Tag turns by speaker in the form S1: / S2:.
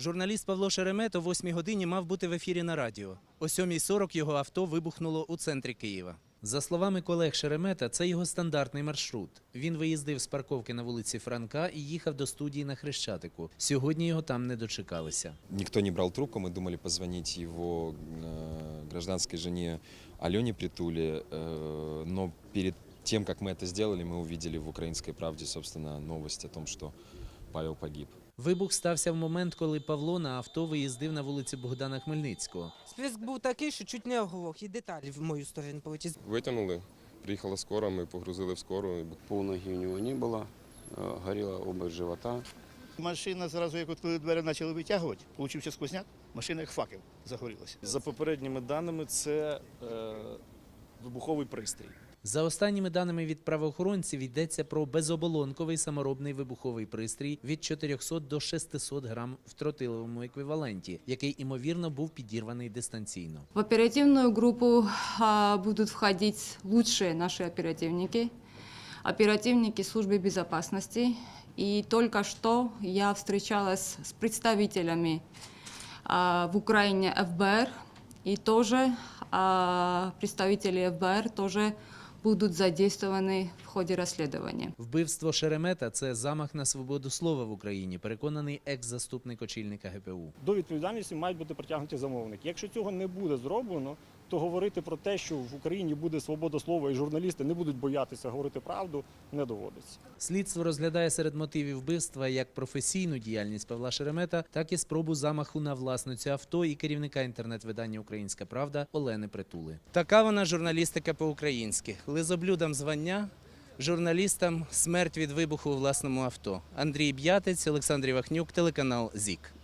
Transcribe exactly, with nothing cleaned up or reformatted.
S1: Журналіст Павло Шеремет о восьмій годині мав бути в ефірі на радіо. О сьомій сорок його авто вибухнуло у центрі Києва. За словами колег Шеремета, це його стандартний маршрут. Він виїздив з парковки на вулиці Франка і їхав до студії на Хрещатику. Сьогодні його там не дочекалися.
S2: Никто не брал трубку, мы думали позвонить его гражданской жене Алене Притуле, но перед тем, как мы это сделали, мы увидели в «Украинской правде», собственно, новость о том, что Павел погиб.
S1: Вибух стався в момент, коли Павло на авто виїздив на вулицю Богдана Хмельницького.
S3: Сплеск був такий, що чуть не оглох, і деталі в мою сторону полетіли.
S4: Витягнули, приїхала скора, ми погрузили в скору.
S5: Полноги у него не было, горела область живота.
S6: Машина зразу, як от коли двері почали витягувати, получився сквозняк, машина як факел загорілася.
S7: За попередніми даними, це е, вибуховий пристрій.
S1: За останніми даними від правоохоронців, йдеться про безоболонковий саморобний вибуховий пристрій від чотирьохсот до шестисот грам в тротиловому еквіваленті, який, імовірно, був підірваний дистанційно.
S8: В оперативную группу а, будут входить лучшие наши оперативники, оперативники службы безопасности. И только что я встречалась с представителями а, в Украине эф бэ эр, и тоже а, представители эф бэ эр тоже будуть задействовані в ході розслідування.
S1: Вбивство Шеремета – це замах на свободу слова в Україні, переконаний екс-заступник очільника ге пе у.
S7: До відповідальності мають бути притягнуті замовники. Якщо цього не буде зроблено, то говорити про те, що в Україні буде свобода слова і журналісти не будуть боятися говорити правду, не доводиться.
S1: Слідство розглядає серед мотивів вбивства як професійну діяльність Павла Шеремета, так і спробу замаху на власницю авто і керівника інтернет-видання «Українська правда» Олени Притули. Така вона журналістика по-українськи. Лизоблюдам звання, журналістам смерть від вибуху у власному авто. Андрій Б'ятець, Олександр Івахнюк, телеканал ЗІК.